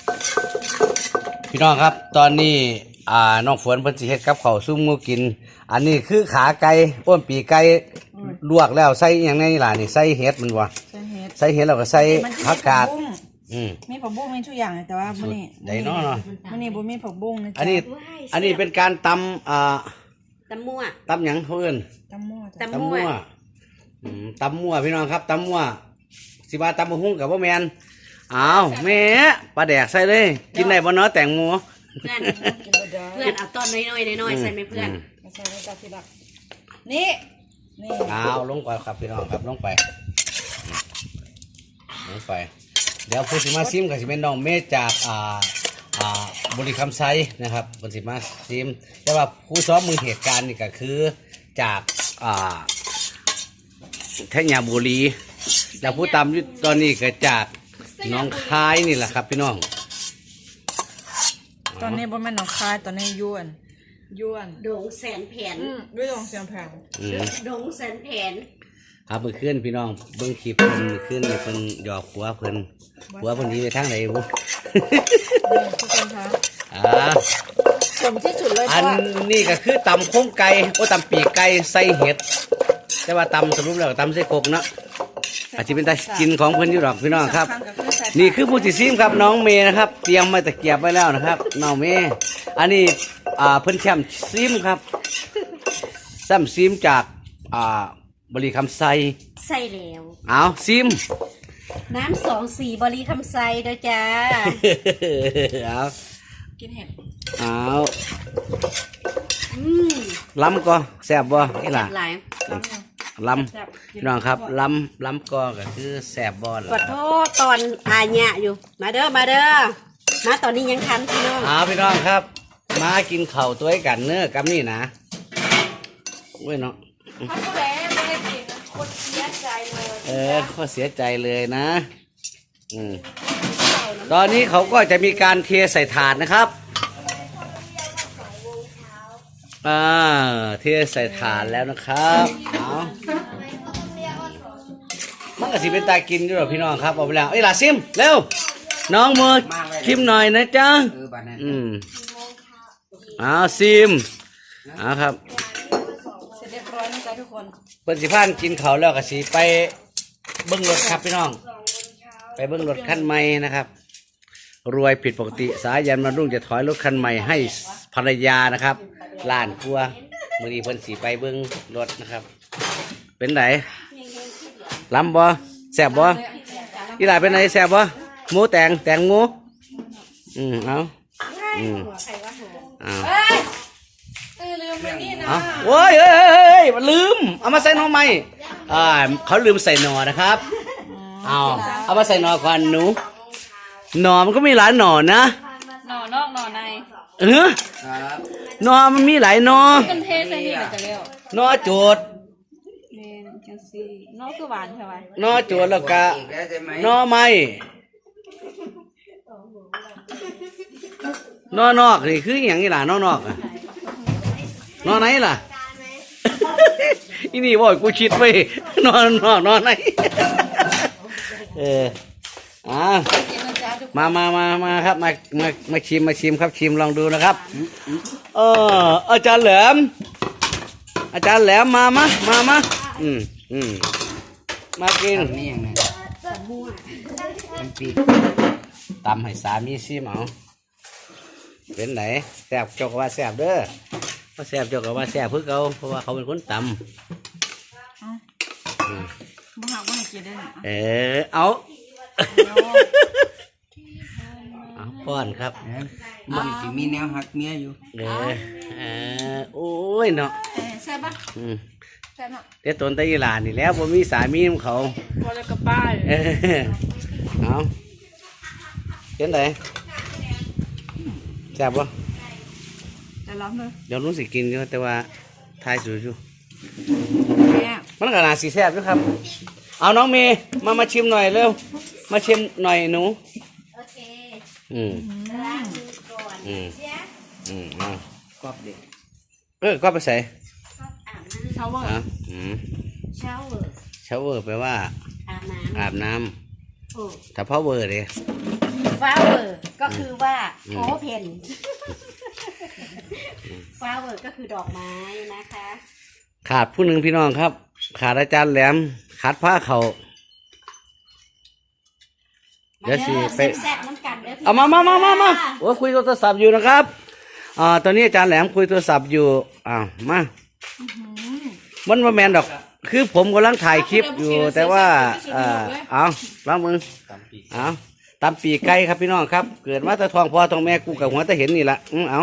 พี่น้องครับตอนนี้น้องฝนเพิ่นสิเฮ็ดกับข้าวซุ่มงูกินอันนี้คือขาไก่อ้วนปีไก่ลวกแล้วใส่อหย่างนี้ล่ะนี่ใส่เห็ดมันบ่ใส่เห็ดแล้วก็ใส่ผักกาดมีผักบุ้งมีทุกอย่างแต่ว่ามื้อนี้ได้เนาะมื้อนี้บ่มีผักบุ้งนะจ๊ะอันนี้เป็นการตำมั่วตำหยังเขาเอิ้นตำมั่วตำมั่วตำมั่วพี่น้องครับตำมั่วสิว่าตำบักหุ่งกับบ่แม่นอ้าวแม่ปลาแดกใส่เลยกินได้บ่เนาะแตงโมเพื่อนเอาตอนน้อยใส่ไหมเพื่อนใส่ในจานที่รักนี่เอาลงไปครับพี่น้องครับลงไปเดี๋ยวผู้สิมาซิมกับสิเป็นน้องเมฆจากบริคำไซนะครับผู้สิมาซิมแต่ว่าผู้ซ้อมมือเหตุการณ์นี่ก็คือจากแท่งยาบุรีแล้วผู้ตามยุตอนนี้ก็จากน้องคายนี่แหละครับพี่น้องตอนนี้บ่แม่นน้องคายตอนนี้ยวนดงแสนแผนด้วยดงแสนแผนดงแสนแผนครับเมื่อคืนพี่น้องเบิ้งคลิปเพิ่นเมื่อคืนนี่เพิ่นหยอกหัวเพิ่นนี้ไปทางไหนบุทุกคนคะผมที่สุดเลยอันนี้ก็คือตำโค้งไก่ตำปีกไก่ใส่เห็ดแต่ว่าตำสรุปแล้วตำใส่กกเนาะอาจจะเป็นตากินของเพิ่นอยู่หรอกพี่น้องครับนี่คือผู้ที่ซิมครับน้องเมย์นะครับเตรียมมาตะเกียบไว้แล้วนะครับน้องเมย์อันนี้เพิ่นแชมป์ซิมครับซ้ำซิมจากบริคำไซใส่แล้วเอาซิมน้ำ24บริคำไซเด้อจ้าเอากินเห็ดเอาล้ำก็แซ่บบ่นี่ล่ะล้ำพี่น้องครับล้ำก็คือแซ่บบ่ล่ะขอโทษตอนอาญะอยู่มาเด้อมาตอนนี้ยังทันพี่น้องพี่น้องครับมากินข้าวตัวกันเนื้อกับนี่นะเว้ยเนาะคนเสียใจเลยเขาเสียใจเลยนะตอนนี้เขาก็จะมีการเทใส่ถาดนะครับเทใส่ถาดแล้วนะครับมันก็สิเป็นตากินด้วยพี่น้องครับเอาไปแล้วล่ะซิมเร็วน้องมือชิมหน่อยนะจ๊ะซิมครับเสร็จเรียบร้อยนะจ๊ะทุกคนเปิ้นสิพานกินเขาแล้วก็สิไปเบิ้งรถครับพี่น้องไปเบิ้งรถคันใหม่นะครับรวยผิดปกติสายันมารุ่งจะถอยรถคันใหม่ให้ภรรยานะครับล้านกลัวมื้อนี้เพิ่นสิไปเบิ้งรถนะครับเป็นไหนล้ำบ่แซ่บบ่อีหลาเป็นไหนแซ่บบ่หมูแตงหมูเอาลืมไปนี่นะโอ้ยมันลืมเอามาใส่หน่อไม้เขาลืมใส่หน่อนะครับเอามาใส่หน่อก่อนหนูหน่อมันก็มีหลายหน่อนะหน่อนอกหน่อในหน่อมันมีหลายหน่อกันเทใส่นี่จะเร็วหน่อโจดหน่อคือหวานใช่ไหมหน่อโจดแล้วก็หน่อไม้หน่อนอกนี่คืออย่างนี้ล่ะหน่อนอกนอนไหนล่ะอีนี่บ่อยกูชิดไปนอนไหนมาครับมาชิมครับชิมลองดูนะครับอาจารย์แหลมมามากินนี่อย่างไรตำให้สามีชิมเอาเป็นไหนแซ่บจกว่าแซ่บเด้อว่าแซ่บจกว่าแซ่บเพื่อเขาเพราะว่าเขาเป็นคนตำบ้าให้กินได้เอาป้อนครับมันจะมีแนวหักเมียอยู่โอ้ยเนาะแซ่บปะแซ่บเนาะแต่ตนตะยีหลานนี่แล้วผมมีสามีของเขาพอแล้วกับป้าเอาเป็นไหนแซ่บปะแต่ร้อนเลยเดี๋ยวรู้สึกกินอยู่แต่ว่าทายสูอยู่มันขนาดสีแซ่บด้วยครับเอาน้องเมย์มาชิมหน่อยเร็วมาชิมหน่อยหนูโอเคกรอบเด็กก็ไปใส่ชาวเวอร์ชาวเวอร์แปลว่าอาบน้ำโอ้ถ้า power เลย flower ก็คือว่าโอเพน flower ก็คือดอกไม้นะคะขาดผู้หนึ่งพี่น้องครับ ขาดอาจารย์แหลม ขาดผ้าเขา เดี๋ยวสิไปแซ่บๆน้ำกันเด้อพี่เอามาโอ้คุยโทรศัพท์อยู่นะครับตอนนี้อาจารย์แหลมคุยโทรศัพท์อยู่มามันมาแมนดอก คือผมกำลังถ่ายคลิปอยู่ แต่ว่าเอาล้างมือเอาตำปีกไก่ครับพี่น้องครับ เกิดมาแต่ทองพ่อทองแม่กูกับหัวแต่เห็นนี่ละเอา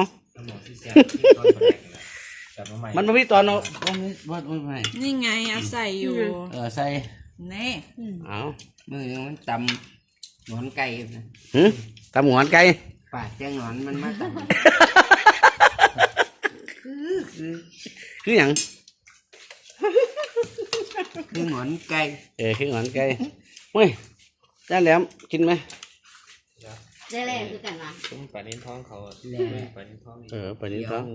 มันไม่มีตอนเอาไม่นี่ไงเอาใส่อยู่ใส่นี่เอามือนึงมันตำหนอนไก่นะตำหงอนไก่ปากแจ้งหนอนมันมาตำคืออย่างคือหนอนไก่คือหงอนไก่เฮ้ยอาจารย์แหลมกินไหมได้แรงคือกันวะปลาเน้นท้องเขาอะปลาเน้นท้องนี่ไปนี่ท้อง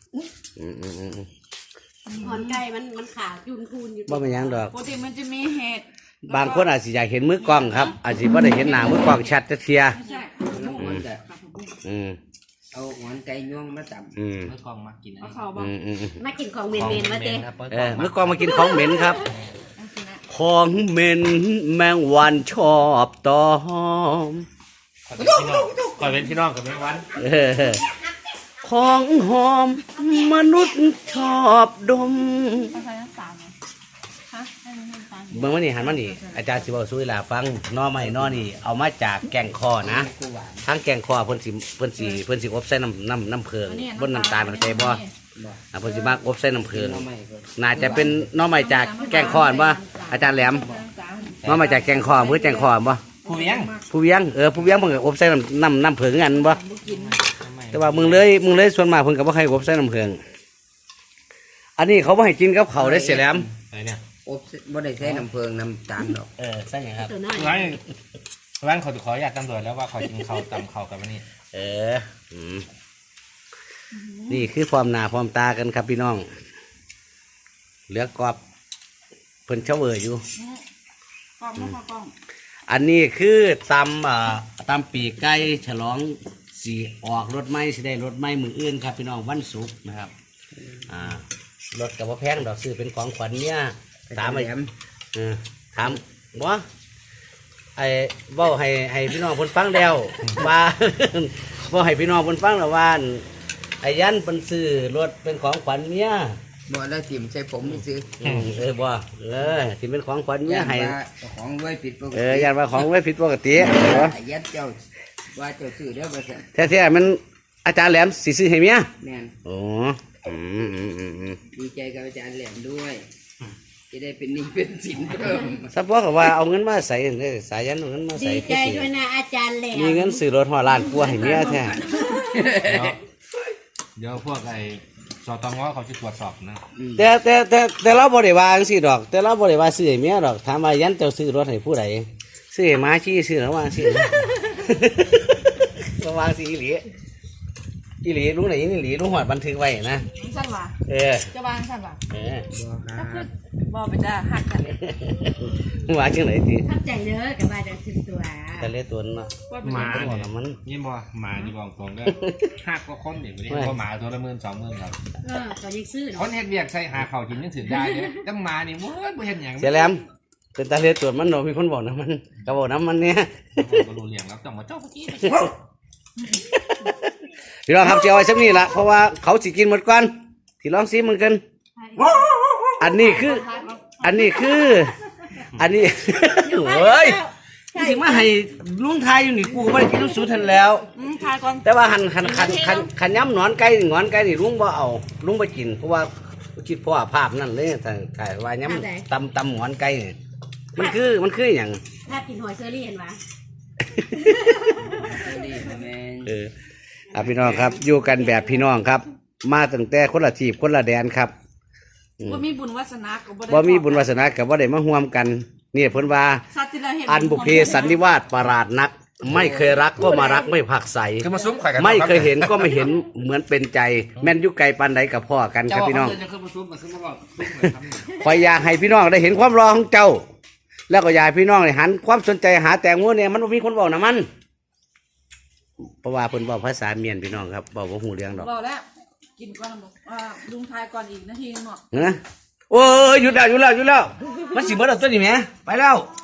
หอนไก่มันขาวยุนพูนอยู่บ่เป็นหยังดอกปกติมันจะมีเห็ดบางคนอาจจะอยากเห็นมือกล้องครับ อาจจะไม่ได้เห็นหน้ามือกล้องชัดจะเทียไม่ใช่แล้วมันจะอืมเอาหนอนไก่ย่องมาตำอืมเมื่อกองมากินเอาเข่าบ้างมากินของเมนๆมาเต้มือกล้องมากินของเหม็นครับ ของเหม็นแมงวันชอบตอมคอยเป็นพี่น้องกับแม่วันของหอมมนุษย์ชอบดมเอาใส่น้ำตาลฮะให้มันน้ำตาลเมื่อวันนี้หันมานี่อาจารย์สิบอกสู้หลาฟังนอใหม่นอนี่เอามาจากแกงคอนะทั้งแกงคอเพิ่นสิอบใส่น้ำเพิงบนน้ำตาลเข้าใจบ่เพิ่นสิมากอบใส่น้ำเพิงหนอนใหม่ก็น่าจะเป็นนอใหม่จากแกงคอบ่อาจารย์แหลมนอใหม่จากแกงคอเพื่อแกงคอบ่ผู้เลี้ยงผู้เวียงผู้เวียงเพิ่นก็อบใส่น้ำเพิงกันบ่แต่ว่ามึงเลยส่วนมากเพิ่นก็บ่ให้อบใส่น้ำเพิงอันนี้เขาบ่ให้กินกับข้าวได้เสียแหลมอะไรเนี่ยอบบ่ได้ใช้น้ำเพิงน้ำตาลหรอกใช่ครับตัวน้อยร้านขออยากตำรวจแล้วว่าขอกินข้าวตำข้าวกับวันนี้นี่คือความหนาความตากันครับพี่น้องเหลือกรอบเพิ่นเฉาเวออยู่กล้องไม่พอกล้องอันนี้คือตำปีกไก่ฉลองสีออกรถไม้สิได้รถไม้มืออื่นครับพี่น้องวันศุกร์นะครับรถกับว่าแพงดอกซื้อเป็นของขวัญเนี่ยถามไอ้ถามบ่ไอ้เว้าให้พี่น้องเพิ่นฟังแล้วว่า บ่ให้พี่น้องเพิ่นฟังแล้วว่าไอ้ยันเพิ่นซื้อรถเป็นของขวัญเมียบ่แล้วถิ่มใส่ผมนี่ซื้อบ่ที่เป็นของขวัญเมียให้ว่าของไว้ผิดปกติยันว่าของไว้ผิดปกติยัดเจ้าว่าเจ้าซื้อเด้อบ่ซั่นแท้ๆมันอาจารย์แหลมสิซื้อให้เมียแม่นโอ้อืมดีใจกับอาจารย์แหลมด้วยจะได้เป็นหนี้เป็นสินเพิ่มสับว่าว่าเอาเงินมาใส่สายยันเอาเงินมาใส่ดีใจด้วยนะอาจารย์แหลมมีเงินซื้อรถหัวล้านกว่าให้เมียแท้เดี๋ยวพวกไอ้สตงเขาจะตรวจสอบนะแต่เราบ่ได้ว่าจังซี่ดอก แต่เราบ่ได้ว่าซื้อให้เมียดอกถามว่ายันเจ้าซื้อรถให้ผู้ใดซื้อให้หมาชี้ซื้อระหว่างซื้อ ระหว่างสิอีหลีลุงไหนอีหลีลุงหอดบันทึกไว้นะสั้นว่ะ จะวางสั้นว่ะบ่ครับบอกไปจ้าหักกันว่าจังไหนติทับใจเด้อกับว่าจะถึงตัวทะเลตัวนั้นเนาะว่าไปหมาบอกกับมันนี่บ่หมานี่บอกตรงเด้อหักก็คนเด็กวันนี้ก็หมาตัวละ10,000-20,000ครับตอนยังซื้อคเนาะนเฮ็ดเวียกใส่หาข้าวกินยังถือได้เลยแต่หมานี่บ่เห็นหยังเสียแหลมเป็นตาเลตัวมันเนาะมีคนบอกนะมันก็บอกน้ำมันเนี่ยบ่รู้เรื่องแล้วต้องมาเจ้าเมื่อกี้พี่น้องครับจะเอาไว้สักนี่ละเพราะว่าเขาสิกินหมดก่อนที่ลองซิมันกันอันนี้คือ อันนี้เฮ้ยสิมาให้ลุงทายอยู่นี่กูก็ไม่ได้กินน้ำสูตรทันแล้วทายก่อนแต่ว่าขันย้ำหนอนไก่นี่ลุงบ่เอาลุงบ่กินเพราะว่าคิดเพราะว่าภาพนั่นเลยแต่ไก่ว่าย้ำตำหนอนไก่นี่มันคืออย่างถ้ากินหอยเซอรี่เห็นปะดีแม่นพี่น้องครับอยู่กันแบบพี่น้องครับ มาตั้งแต่คนละทีบคนละแดนครับว่ามีบุญวาสนาก็บ่ได้ว่ามีบุญวาสนากับว่าได้มาร่วมกันนี่เพิ่นว่าสัตว์ที่เราเห็นอันบุพเพสันนิวาสประหลาดนัก ไม่เคยรักก็มารักไม่ผักใสคือมาซุ้มข่อยกันไม่เคยเห็นก็ไม่เห็นเหมือนเป็นใจ แม่นอยุไกลปันใดกับพ่อกันครับพี่น้องจะคือมาซุ้มมาซุ้มมาบอกซุ้มคอยอยากให้พี่น้องได้เห็นความรอของเจ้าแล้วก็อยากให้พี่น้องเนี่ยหันความสนใจหาแตงโมเนี่ยมันบ่มีคนบอกนะมันเพราะว่าเพิ่นบอกภาษาเมียนพี่น้องครับบอกว่าหูเรื่องดอกบอกแล้วกินก่อนบอกลุงทายก่อนอีกนาทีนึงเนาะเนอะโอ้ยหยุดแล้วมันสิเบิดแล้วตัวนี้แหมไปแล้ว